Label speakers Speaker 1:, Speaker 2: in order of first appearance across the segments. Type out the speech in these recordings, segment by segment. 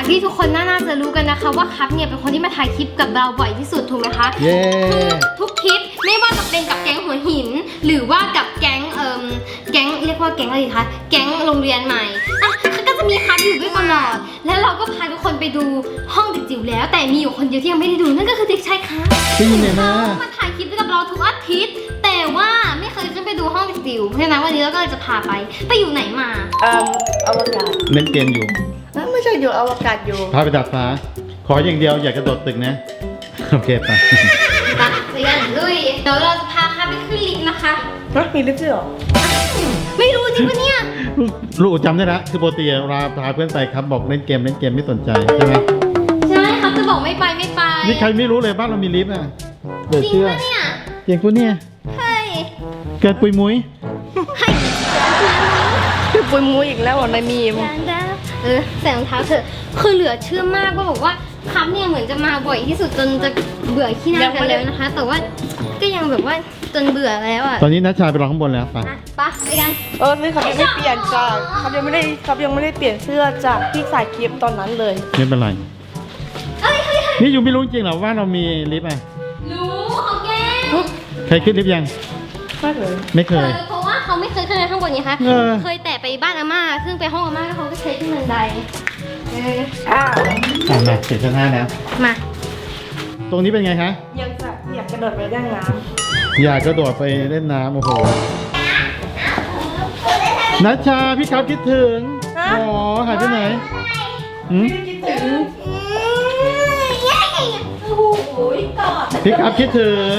Speaker 1: ที่ทุกคนน่าจะรู้กันนะคะว่าครับเนี่ยเป็นคนที่มาถ่ายคลิปกับเราบ่อยที่สุดถูกไหมคะ
Speaker 2: เย้
Speaker 1: ทุกคลิปไม่ว่าจะเป็นกับแก๊งหัวหิน หรือว่ากับแก๊งเรียกว่าแก๊งอะไรคะแก๊งโรงเรียนใหม่อ่ะก็จะมีครับอยู่ด้วยตลอดแล้วเราก็พาทุกคนไปดูห้องเด็กจิ๋วแล้วแต่มีอยู่คนเดียวที่ยังไม่ได้ดูนั่นก็คือเด็กชายครับ
Speaker 2: จริงเนี่ยนะ
Speaker 1: เขามาถ่ายคลิปกับเราทุกอาทิตย์แต่ว่าไม่เคยขึ้นไปดูห้องเด็กจิ๋วเพราะฉะนั้นวันนี้เราก็เลยจะพาไปอยู่ไหนมา
Speaker 3: อวกาศ
Speaker 2: เล่นเกมอยู่
Speaker 3: ไม่ใช่อยู่อวกาศอยู่
Speaker 2: พาไปดัดฟ้าขออย่างเดียวอย่ากระโดดตึกนะโอเคไป
Speaker 1: ไปเรียนลุยเดี๋ยวเราจะพาค่ะไปขึ้นลิฟต์นะคะ
Speaker 3: มีลิฟต์ด้วยเหรอ
Speaker 1: ไม่รู้จริงปะเนี่ย
Speaker 2: ลูกจำได้แล้วคือปกติเราพาเพื่อนไปครับบอกเล่นเกมไม่สนใจใช่ไหม
Speaker 1: ใช่ครับจะบอกไม่ไป
Speaker 2: นี่ใครไม่รู้เลยบ้านเรามีลิฟต์อ่ะเดือด
Speaker 1: จริง
Speaker 2: เชื่อ
Speaker 1: ปะเนี่ย
Speaker 2: จริงปะเนี่ย
Speaker 1: เฮ้ย
Speaker 2: เกิดปุยมุ้ย
Speaker 3: คือปุยมุ้ยอีกแล้วในมีม
Speaker 1: ใส่รองเท้าเถอะคือเหลือเชื่อมากว่าบอกว่าครับเนี่ยเหมือนจะมาบ่อยที่สุดจนจะเบื่อขี้หน้ากันแล้วนะคะ แต่ว่าก็ยังแบบว่าจนเบื่อแล้วอ่ะ
Speaker 2: ตอนนี้นัชชาไปรอข้างบนแล้วไป
Speaker 1: ไปกัน
Speaker 3: นี่เขายังไม่เปลี่ยนจากเขายังไม่ได้เปลี่ยนเสื้อจากที่ใส่คลิปตอนนั้นเลย
Speaker 2: ไม่เป็นไรนี่อยู่ไม่รู้จริงเหรอว่าเรามีลิฟต์อ่ะ
Speaker 1: รู้เขาแกล้ง
Speaker 2: ใครขึ้นลิฟต์ยัง
Speaker 3: ไม่เลย
Speaker 2: ไม่เคย
Speaker 1: เพราะว่าเขาไม่เคยขึ้นไปข้างบนไงคะ เคยแต่ไปบ้านอาม่าซึ่งไปห้องอาม่าแล้วเขาก็ใช้ขึ้นบันได
Speaker 3: อ้าว
Speaker 2: มาเสร็จชั้น5แล้ว
Speaker 1: มา
Speaker 2: ตรงนี้เป็นไงคะ
Speaker 3: อยากกระโดดไปเล่นน้
Speaker 2: อยากกระโดดไปเล่นน้ำโอ้โหนัชชาพี่ครับคิดถึงอ๋อหายไปไหนหืม
Speaker 3: ำคิดถึง
Speaker 2: พี่ครับคิดถึง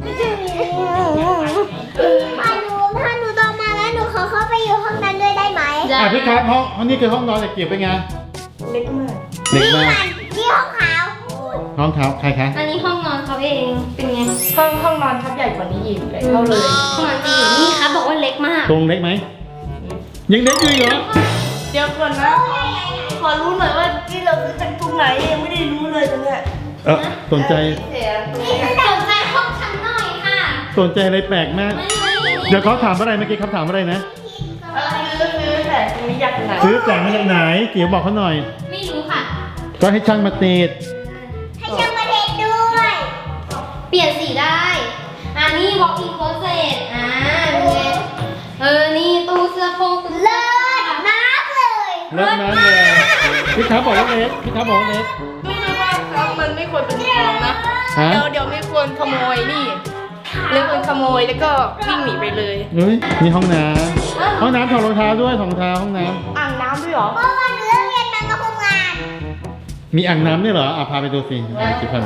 Speaker 4: ถ้าหนูโตมาแล้วหนูขอเข้าไปอยู่ห้องนั้นด้วยได้ไหม
Speaker 2: พี่ครับห้องนี้คือห้องนอนเด็กเกี่ยวเป็นไง
Speaker 3: เล็กมาก
Speaker 2: เด็กมาก
Speaker 4: นี่ห้องขาว
Speaker 2: ห้องเท้าใครคะ
Speaker 1: อันนี้ห้องนอนเขาเองเป็นไง
Speaker 3: ห้องนอนทับใหญ่กว่านี้อีกเลยเท่าเลย
Speaker 1: ห้องนอนจริงนี่ครับบอกว่าเล็กมาก
Speaker 2: ตรงเล็กไหมยังเล็กอยู่เหรอ
Speaker 3: เดี๋ยวก่อนนะขอรู้หน่อยว่าที่เราซื้อจากตรงไหนยังไม่ได้รู้เลยตรงเนี้ย
Speaker 2: สนใจ
Speaker 1: สนใจห้องฉันหน่อยค่ะ
Speaker 2: สนใจอะไรแปลกมากเดี๋ยวเขาถามอะไรเมื่อกี้เขาถามอะไรนะ
Speaker 3: ซื้อแต่ตรงนี้อยากไหน
Speaker 2: ซื้อแสงมาจากไหนเกี่ยวบอกเขาหน่อย
Speaker 1: ไม่รู้ค่ะ
Speaker 2: ก็ให้ช่างมาติด
Speaker 4: ให้ช่างมาเทสด้วย
Speaker 1: เปลี่ยนสีได้ อันนี้ walk in closet เป็นไงนี่ตู้เสื้อโครงตู้
Speaker 4: เลิศมากเลย
Speaker 2: เลิกนั้นเลยพี่ครับบอกว่าเล็กพี่ครับบอกว่าเล็ก
Speaker 3: ไม่ใช่ว่าครับมันไม่ควรเป็นของนะ
Speaker 2: ฮะ
Speaker 3: เดี๋ยวไม่ควรขโมยนี่เรื่องคนขโมยแล้วก็วิ่งหนีไปเลย
Speaker 2: เฮ้ยมีห้องน้ำห้องน้ำถอดรองเท้าด้วยถอดรองเท้าห้องน้
Speaker 3: อ่างน้ำด้วยเหรอ
Speaker 4: เมื่อวันหนูเลิกเรียนมาก็คุมงาน
Speaker 2: ำมีอ่างน้ำด้วยเหรอพาไปดูสิจิพัน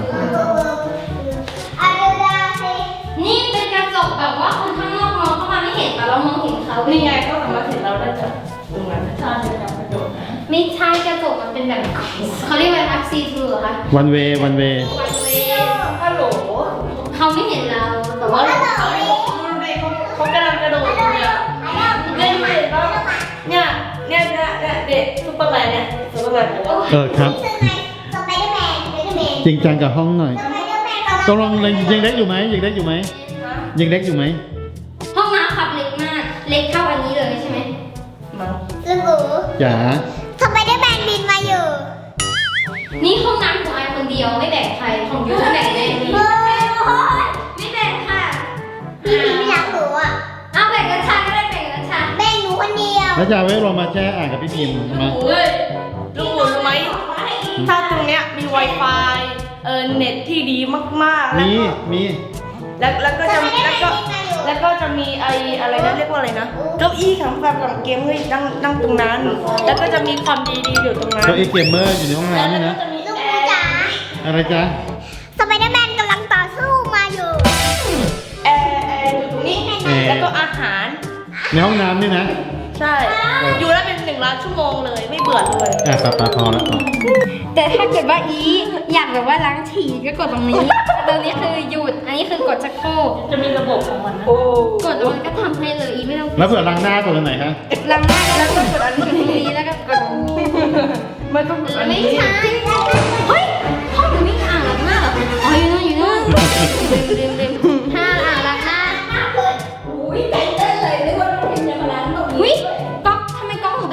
Speaker 4: อะไรสิ
Speaker 1: นี่เป็นกระจกแบบว่าคนข้างนอกมองเข้ามาไม่เห็นแต่เรามองเห็นเขา
Speaker 3: นี่ไงก็สามารถเห็นเราได้จากตรงนั้นใช่ครับกระโดดนะ
Speaker 1: ไม่ใช่กระจกมันเป็นแบบเขาเรียกว่าอะไรคะ see through เหรอคะ
Speaker 2: วันเว
Speaker 1: one way
Speaker 3: ฮัลโหล
Speaker 1: เขาไม่เห็นเราแต่ว่า
Speaker 3: ดูดิเขากำลังกระโดดอยู่เนี่ยเล่นเด็กแล้วเนี่ยเด็กซุปเปอร์แมนเนี่ยซุปเปอร์แมนบอกว่า
Speaker 2: ครับ
Speaker 4: ซึ่งไงสไปเดอร์แมน
Speaker 2: จริงจังกับห้องหน่อย
Speaker 4: สไปเดอร์แมนกับ
Speaker 2: ตกลงยังเล็กอยู่ไหมยังเล็กอยู่ไหมยังเล็กอยู่ไหม
Speaker 1: ห้องน้ำครับเล็กมาก เล็กเท่าอันนี้เลยใช่ไหม
Speaker 3: มั้ง
Speaker 4: ลุงอู
Speaker 2: จ๋า
Speaker 4: สไปเดอร์แมนบินมาอยู่
Speaker 1: นี่ห้องน้ำของไอคนเดียวไม่แบ่งใครของยูแบ่งเลยนี่
Speaker 4: โอ้ย
Speaker 1: ไม่แบ่งค่ะ
Speaker 4: พี่พิมไม่รักหนูอ่ะ
Speaker 1: เอาแบ่งกันชาก็ได้แบ่งกันชา
Speaker 4: แบ่งหนูคนเดียว
Speaker 2: แล้วจะเอาไว้ลงมาแช่อ่างกับพี่พิมพ์มา
Speaker 3: เฮ้ยลุงอู๋รู้ไหมถ้าตรงเนี้ยมี Wi-Fi เน็ตที่ดีมากๆ
Speaker 2: มี
Speaker 3: แล้วก็จะมีอะไรนะเรียกว่าอะไรนะเก้าอี้สำหรับเกมเฮ้ยนั่งตรงนั้น แล้วก็จะมีความดีอยู่ตรงนั้น
Speaker 2: เก้าอี้เกมเมอร์อยู่ในห้องน้ำนี่นะ
Speaker 3: จะมี
Speaker 4: ลุง
Speaker 3: แอ
Speaker 4: อู
Speaker 3: ร์
Speaker 4: จ๋า
Speaker 2: อะไรจ๊ะ
Speaker 4: สไปเดอร์แมนกำลังต่อสู้มาอยู่
Speaker 3: แอร์อยู่ตรงนี้ แล้วก็อาหาร
Speaker 2: ในห้องน้ำนี่นะ
Speaker 3: ใช่ อยู่ได้เป็น1 ล้านชั่วโมงเลยไม่เบื่อเลย
Speaker 2: ปลาพอแล้วพอ
Speaker 1: แต่ถ้าเกิดว่าอยากแบบว่าล้างฉี่ก็กดตรงนี้ ตรงนี้คือหยุด อันนี้คือกดชักโครก
Speaker 3: จะมีระบบของมันนะโอ้
Speaker 1: กดแล้วมันก็ทำให้เลยอีไม่ต้อง
Speaker 2: แล้วเผื่อล้างหน้ากดตรงไหนคะ
Speaker 1: ล้างหน้าแล้วก็กดอันนี้แล้วก็กด
Speaker 3: ไม่ต้องอัน
Speaker 1: ไม่
Speaker 3: นี้
Speaker 1: ใช่เฮ้ยห้องหนูไม่มีอ่างล้างหน้าเหรออ๋ออยู่นู่นลืมถ้าอ่างล้างหน้าอุ้ยใจเต้นเลยนึกว่าน้องพิมจะมาล้างตรงนี้ก๊อกทำไมก๊อกหนูเป็นอย่างนี้อะคะ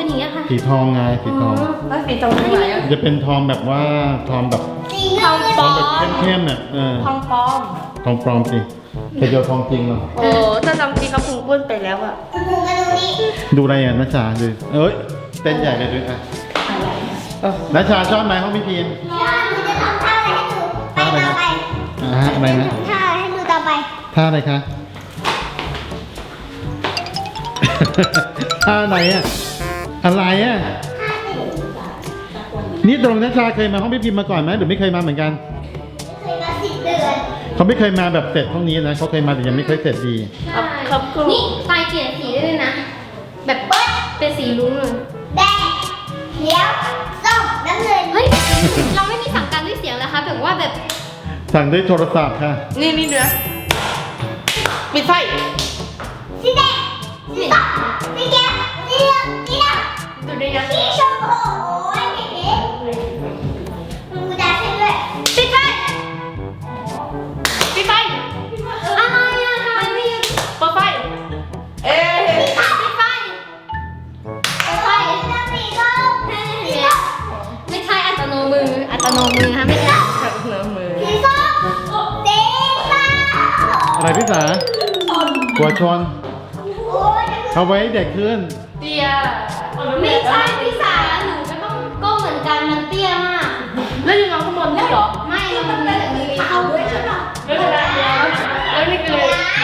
Speaker 2: สีทองไงสีทอง
Speaker 3: แล้วสีตรงไหนอ่ะ
Speaker 2: จะเป็นทองแบบว่าทองแบบ
Speaker 4: สีเงิน
Speaker 2: ทองแบบเข้มๆเนี่ย
Speaker 3: ทองปลอม
Speaker 2: ทองปลอมสิแต่เจอทองจริงเหรอ
Speaker 3: โอ้ถ้าทำจริงเขาคงป้วนไปแล้วอ่ะ
Speaker 4: คุณครูมาดูนี่
Speaker 2: ดูอะไรอ่ะนัชชาดูเอ้ยเต้นใหญ่เลยดูอ่ะนัชชาชอบไหมห้องพี่พีน
Speaker 4: ถ้าหนูจะทำท่าอะไรให้ดูไปต่อไป
Speaker 2: อะไรนะ
Speaker 4: ท่าอะไรให้ดูต่อไป
Speaker 2: ท่าอะไรคะ ท่าไหนอ่ะอะไรอ่ะนี่ตรงนัชชาเคยมาห้องพี่พิมพ์มาก่อนไหมหรือไม่เคยมาเหมือนกัน
Speaker 4: เคยมา10 เดือน
Speaker 2: เขาไม่เคยมาแบบเสร็จห้องนี้นะเขาเคยมาแต่ยังไม่เคยเสร็จดี
Speaker 3: ครับครู
Speaker 1: นี่ไฟเปลี่ยนสีได้เลยนะ แบบเป็นสีรุ้งเลย
Speaker 4: แดงเขียวส้มน้ำเงิน
Speaker 1: เฮ้ย เราไม่มีสั่งการด้วยเสียงนะคะแบบว่าแบบ
Speaker 2: สั่งด้วยโทรศัพท์ค่ะ
Speaker 3: นี่เนื้อปิดไฟ
Speaker 4: สีแดงสีส้มสีเขียวสีเหลืองสีดำ
Speaker 3: ดูได้ยัง
Speaker 4: สีชมพูโอ้ยเก๋ๆมึงจะให้ด้วย
Speaker 1: ปิดไฟ
Speaker 3: ปิดไฟ
Speaker 1: อะไรอะทำไมไม่ยืน
Speaker 3: เปิดไฟ เอ๊ะ
Speaker 1: ปิดไฟปิดไฟ
Speaker 4: สีส้มสีส้ม
Speaker 1: ไม่ใช่อัตโนมืออัตโนมือฮะไม่ใช่
Speaker 3: ขัดเนื้อมือ
Speaker 4: สีส้มสีฟ้า
Speaker 2: อะไรพี่สาหัวชน
Speaker 4: โอ้ย
Speaker 2: เขาไว้เด็กขึ้น
Speaker 3: เตีย
Speaker 1: ไม่ใช่พี่สาหนูก็ต้องก้มเหมือนกันมันเตี้ยมาก
Speaker 3: แล้วยังเอาข้างบนด้วยเหรอ
Speaker 1: ไม่มันมีแบบนี้เข้าด้วยใช่ปะ
Speaker 3: ไม่เป็นไรแล้วนี่คือ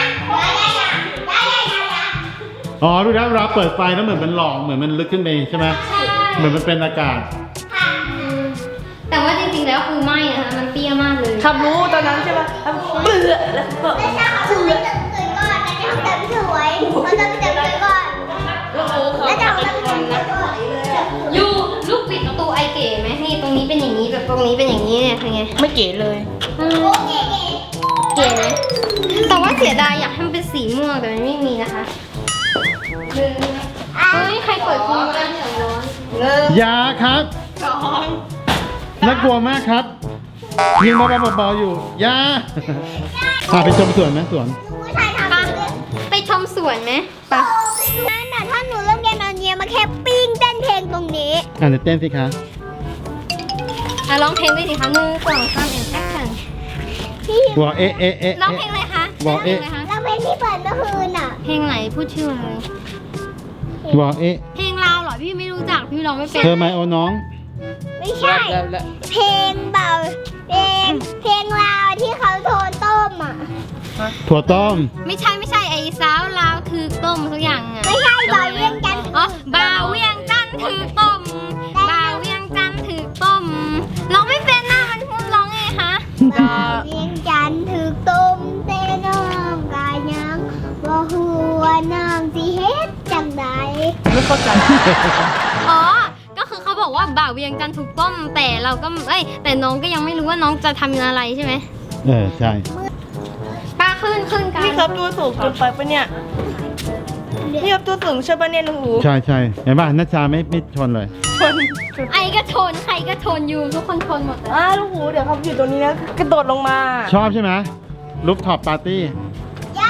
Speaker 2: อ๋อรู้แล้วเวลาเปิดไฟแล้วเหมือนมันหลอกเหมือนมันลึกขึ้นไปใช่ไหม
Speaker 1: ใช่
Speaker 2: เหมือนมันเป็นอากาศ
Speaker 1: แต่ว่าจริงๆแล้วคือไม่นะคะมันเตี้ยมากเลย
Speaker 3: ครับรู้ตอนนั้นใช่ปะครับเบื่อแล้วก็
Speaker 4: ไม่ใช่เขาจะไม่เติมสวยก่อนนะจะทำเติมสวยเขาจะไม่เติมสวยก่อน
Speaker 3: แล้วเขา
Speaker 4: แล้วจะ
Speaker 3: จะ
Speaker 4: เอา
Speaker 3: เป็น
Speaker 4: เติม
Speaker 3: คน
Speaker 4: สวย
Speaker 3: นะ
Speaker 4: ก่อน
Speaker 1: ยูลูกปิดประตูไอเก๋ไหมนี่ตรงนี้เป็นอย่างนี้แบบตรงนี้เป็นอย่างนี้เนี่ยคือไง
Speaker 3: ไม่เก๋เลย
Speaker 4: โอเค
Speaker 1: เก๋ไหมแต่ว่าเสียดายอยากให้มันเป็นสีม่วงแต่มันไม่มีนะคะเฮ้ยใครเปิดทีวีกันเสียงร้อน
Speaker 2: ยาครับน่ากลัวมากครับยิงเบาๆอยู่ยาพาไปชมสวนไหมสวน
Speaker 4: ผู้ชายทำ
Speaker 1: ปะ
Speaker 4: เลย
Speaker 1: ไปชมสวนไหมปะ
Speaker 4: นั่นน่ะถ้าหนูเริ่มเรียนตอนเย็นมาแค่ปิ้งเต้นเพลงตรงนี้
Speaker 2: เดี๋ยวเต้นสิคะ
Speaker 1: ร้องเพลงด้วยสิคะ1 2 3 แอคชั่น
Speaker 4: พี่
Speaker 2: วอเอะเอะเอะ
Speaker 1: ร้องเพลงอะไรคะ
Speaker 2: บอกเอ๊ะ
Speaker 1: ร้งพลงอะไรคะ
Speaker 4: เราเพลงที่เปิดเมื่อคืนอ่ะ
Speaker 1: เพลงไหนพูดชื่อเลย
Speaker 2: วอเอะ
Speaker 1: เพลงลาวเหรอพี่ไม่รู้จักพี่ร้องไม่เป็น
Speaker 2: เธอไหมโอ้น้อง
Speaker 4: ไม่ใช่ เพลงเบาเพลงลาวที่เขาโทนต้มอ่ะ
Speaker 2: ถั่วต้ม
Speaker 1: ไม่ใช่ไอ้สาวลาวถือต้มสักอย่างอ่ะ
Speaker 4: ไม่ใช่เบาเรื่องกัน
Speaker 1: อ๋อบ่าวเวียงจันทร์ถือต้มบ่าวเวียงจันทร์ถือต้มร้องไม่เป็นนะมันพูดร้องไงคะ
Speaker 4: เบาเรื่องกันถือต้มเต้น้องกายยังว่าหัวน้องสิเฮ็ดจังใด
Speaker 3: ไม่เข้าใจ
Speaker 1: อ๋อก็คือเขาบอกว่าบ่าวเวียงจันทร์ถูกต้มแต่เราก็แต่น้องก็ยังไม่รู้ว่าน้องจะทำอะไรใช่ไหม
Speaker 2: ใช่
Speaker 1: ป้าขึ้นกัน
Speaker 3: นี่ครับตัวสูงเกินไปปะเนี่ยนี่ครับตัวสูงใช่ปะเนี่ยลุงอู
Speaker 2: ใช่เห็นป่ะนัชชาไม่ชนเลย
Speaker 1: ไอ้ก็ชนใครก็ชนอยู่ทุกคนชนหมดเลย
Speaker 3: ลุงอูเดี๋ยวเขาอยู่ตรงนี้นะกระโดดลงมา
Speaker 2: ชอบใช่ไหมรูฟท็อปปาร์ตี้
Speaker 4: ย่า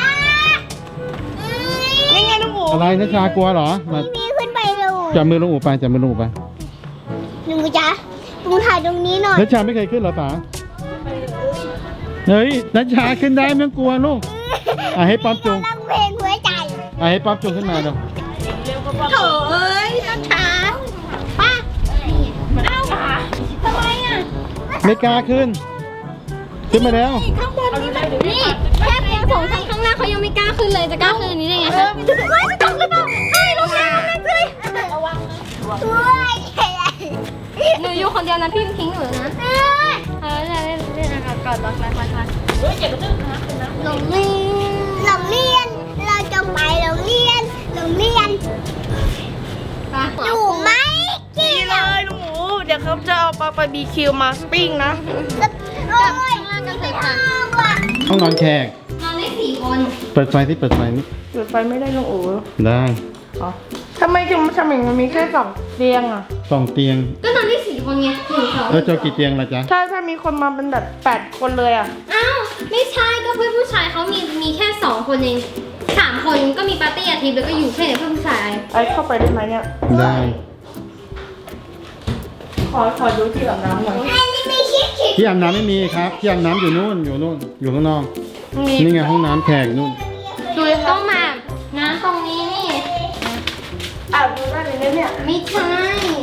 Speaker 3: นี่ไงลุงอู
Speaker 2: อะไรนัชชากลัวเหรอมา
Speaker 4: พี่ขึ้นไปดู
Speaker 2: จับมือลุงอูไปจับมือลุงอูไป
Speaker 4: หนูจ๊ะหนูถ่ายตรงนี้หน่อย
Speaker 2: นัชชาไม่เคยขึ้นเหรอป๋าเฮ้ยนัชชาขึ้นได้ไม่ต้องกลัวลูกให้ป๊อปจูง
Speaker 4: ร้องเพลงหัวใจ
Speaker 2: ให้ป๊อปจูงขึ้นมาเดี๋ยว
Speaker 4: โถเอ้ยน้ำชาป้าเอ้าทำไมอ่ะ
Speaker 2: ไม่กล้าขึ้นมาแล้ว
Speaker 4: ข้างบนนี่มัน
Speaker 1: นี่แค่เพียง2 ชั้นข้างหน้าเขายังไม่กล้าขึ้นเลยจะกล้าขึ้นอันนี้ได้ไงคะ
Speaker 4: ไม่ตกหรือเปล่าไอ้ลงน้ำเลยระวังช่วย
Speaker 1: หนูอยู่คนเดียวนะพี่ทิ้งหนูนะเล่นอากาศก่อนไป
Speaker 4: โรงเรียนเราจะไปโรงเรียนหนูไม่กิ
Speaker 3: นี่
Speaker 4: น
Speaker 3: เลยลุงอูเดี๋ยวเขาจะเอาปลาบาร์บีคิวมาปิ้งนะ
Speaker 4: โอ้ย
Speaker 1: ข้างล่างกันใส่ผัก
Speaker 4: ว่ะ
Speaker 2: ห้องนอนแขก
Speaker 1: นอนได้4 คน
Speaker 2: เปิดไฟที่เปิดไฟนี่
Speaker 3: จุดไฟไม่ได้ลุงอู
Speaker 2: ได้
Speaker 3: อ๋อทำไมถึงทำอย่างมันมีแค่2 เตียงอ่ะ
Speaker 2: 2 เตียง
Speaker 1: ก็นอนได้4 คนไง1 2
Speaker 2: แล้วเจ้ากี่เตียงล่ะจ๊ะ
Speaker 3: ถ้ามีคนมาเป็นแบบ8 คนเลยอ่ะ
Speaker 1: อ้าวไม่ใช่ก็เพื่อนผู้ชายเขามีแค่2 คนเอง3 คนก็มีปาร์ตี้อาทิตย์แล้วก็อยู่แค่เพื่อนผู้ชาย
Speaker 3: ไอ้เข้าไปได้ไหมเนี่ย
Speaker 2: ได้
Speaker 3: ขอดูที่อาบน้ำหน่อย
Speaker 4: อันนี้ไม่ชิดชิด
Speaker 2: ที่อาบน้ำไม่มีครับที่อาบน้ำอยู่นู่นอยู่ข้างนอก
Speaker 3: มี
Speaker 2: นี่ไงห้องน้ำแขกนู่น
Speaker 3: ดูเลยครั
Speaker 1: ต้
Speaker 3: บ
Speaker 1: องมาน้ำตรงนี้นี่
Speaker 3: อาบดูได้เลยนะเนี่ย
Speaker 1: ไม่ใช่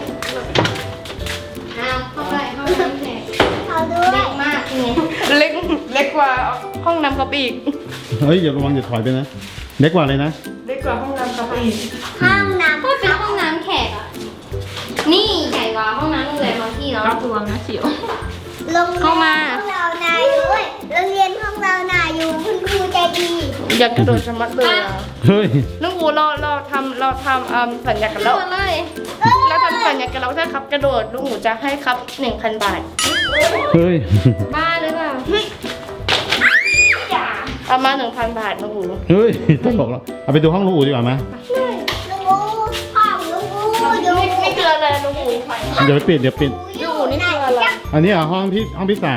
Speaker 1: เอาเข้าไปห้องน้ำแขก
Speaker 4: เขาด้ว
Speaker 1: เล็
Speaker 4: ย
Speaker 1: กมากนี่
Speaker 3: เล็กกว่าห้องน้ำครับอีก
Speaker 2: เฮ้ยอย่าระวังอย่าถอยไปนะเล็กกว่าเลยนะ
Speaker 3: เล็กกว่าห้องน้ำครับอีก
Speaker 4: ห้องน้ำ
Speaker 1: ก็เป็นห้องน้ำแขกอะนี่ใหญ่กว่าห้องน้ำโรงแรมบางที่เนาะ
Speaker 3: รับรวมนะเสียว
Speaker 4: โรงเรียน
Speaker 1: เข้ามา
Speaker 4: ของเรานาอยู่เว้ยโรงเรียนของเรานาอยู่คุณครูใจดี
Speaker 3: อยากกระโดดสมัดเลยอ่ะ
Speaker 2: เฮ้ย
Speaker 3: ลุงอูเราทำสัญญากันแล้ว
Speaker 1: ตัวเลย
Speaker 3: เราทำสัญญากันแล้วถ้าครับกระโดดลุงอูจะให้ครับ 1,000 บาท
Speaker 2: เฮ้ย
Speaker 1: บ้าหรือเปล่า
Speaker 3: เอามา 1,000 บาทลุงอู
Speaker 2: เฮ้ยตลกแล้วเอาไปดูห้องลูกอูดีกว่าไหม
Speaker 4: ลุงอูห้องลุงอูอยู่
Speaker 3: นี่คืออะไรลุงอู
Speaker 2: เดี๋ยวปิด
Speaker 3: ลุงอูนี่คืออะไร
Speaker 2: อันนี้เหรอห้องพี่สา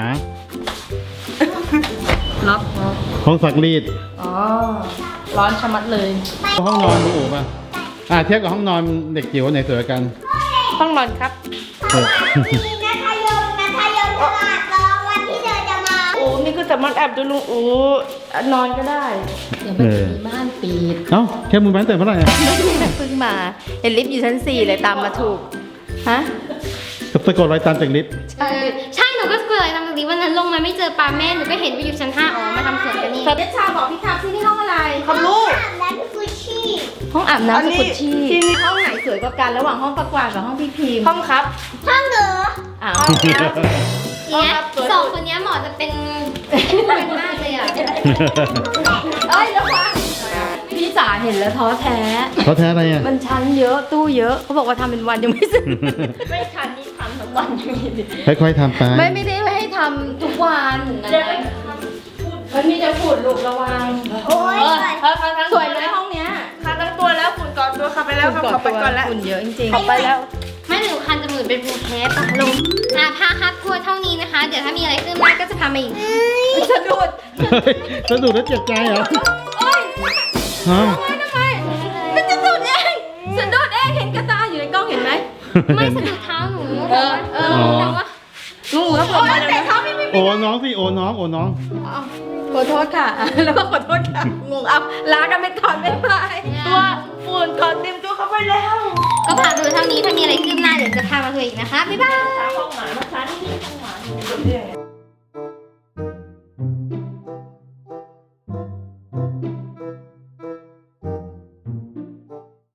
Speaker 3: ล็อก
Speaker 2: ห้องซักรีด
Speaker 3: อ๋อร้อนชะมัดเลย
Speaker 2: ห้องนอนลูกอูป่ะเทียบกับห้องนอนเด็กจิ๋วไหนสวยกว่ากัน
Speaker 3: ห้องนอนครับ
Speaker 2: เออ
Speaker 4: มีนัทยมตลาดรอวันที่เธอจะมา
Speaker 3: โอ้นี่คือสามารถแอบดูลุงอูนอนก็ได้
Speaker 2: เออบ้านปิดเอ้าแค่มือบ้านแต่เมื่อไหร่อะ
Speaker 3: เพิ่งมาเห็นลิฟต์อยู่ชั้น 4 เลยตามมาถูกฮะ
Speaker 2: สะกดรอยตามจากลิฟต์
Speaker 1: ใช่หนูก็เกิดตามตรงนี้วันนั้นลงมาไม่เจอปลาแม่หนูก็เห็นว่าอยู่ชั้น 5อ๋อมาทำสวนกันนี่
Speaker 3: เด็กชาบอกพี่ครับที่นี่ห้องอะไรครับลูก
Speaker 4: อาบน้ำกุชชี่
Speaker 3: ห้องอาบน้ำสกุชชี่ที่นี่ห้องไหนสวยกว่ากันระหว่างห้องประกวาดกับห้องพี่พิมห้องครับ
Speaker 4: ห้องเหรอ
Speaker 3: อ้าว
Speaker 1: เนี่ย
Speaker 3: ห้องครับสวย
Speaker 1: สองคนเนี้ยเหมาะจะเป็นคู่กันมากเลยอ่ะเอ้ยระวัง
Speaker 3: พี่จ๋าเห็นแล้วท้อแท้
Speaker 2: เขาแท้อะไรอ่ะ
Speaker 3: มันชั้นเยอะตู้เยอะเขาบอกว่าทำเป็นวันยังไม่เสร็จไม่ทันนี่ทำทั้งวันยังมี
Speaker 2: ค่อยๆทำไป
Speaker 3: ไม่ได้ให้ทำทุกวันนะมันมีแต่ฝุ่นลูกระวัง
Speaker 4: โอ้ย
Speaker 3: สวยเลยห้องเนี้ยคันทั้งตัวแล้วฝุ่นก่อนตัวขับไปแล้วขับไปก่อนแล้วฝุ่นเยอะจริงๆขับไปแล้ว
Speaker 1: ไม่หนูคันจมูกเป็นภูมิแพ้ปะลงพาครับทัวร์เท่านี้นะคะ เดี๋ยวถ้ามีอะไรขึ้นมาก็จะพามาอีก
Speaker 3: สะดุด
Speaker 2: เฮ้ยสะดุดแล้วเจ็บใจเหรอ
Speaker 3: โอ๊ย
Speaker 2: ฮะ
Speaker 3: ทำไมมันจะสะดุดเองสะดุดเองเห็นกระตาอยู่ในกล้องเห็นไหม
Speaker 1: ไม่สะดุดเท้าหนู
Speaker 3: เออ
Speaker 1: แต่ว่า
Speaker 3: งูแล้วผมมาแล้วเขาไม่มี
Speaker 2: โอ้น้องสิโอ้น้อง
Speaker 3: ขอโทษค่ะ แล้วก็ขอโทษค่ะงงเอาลากันไปก่อนบ๊ายบายตัวฝุ่นก่อนเตรียมตัวเข้าไปแล้ว
Speaker 1: ก็พาดูเท่านี้ถ้ามีอะไรขึ้นหน้าเดี๋ยวจะพามาคุยอีกนะคะ บ๊ายบาย
Speaker 3: ห้องหมานะคะนี่ห้องหมา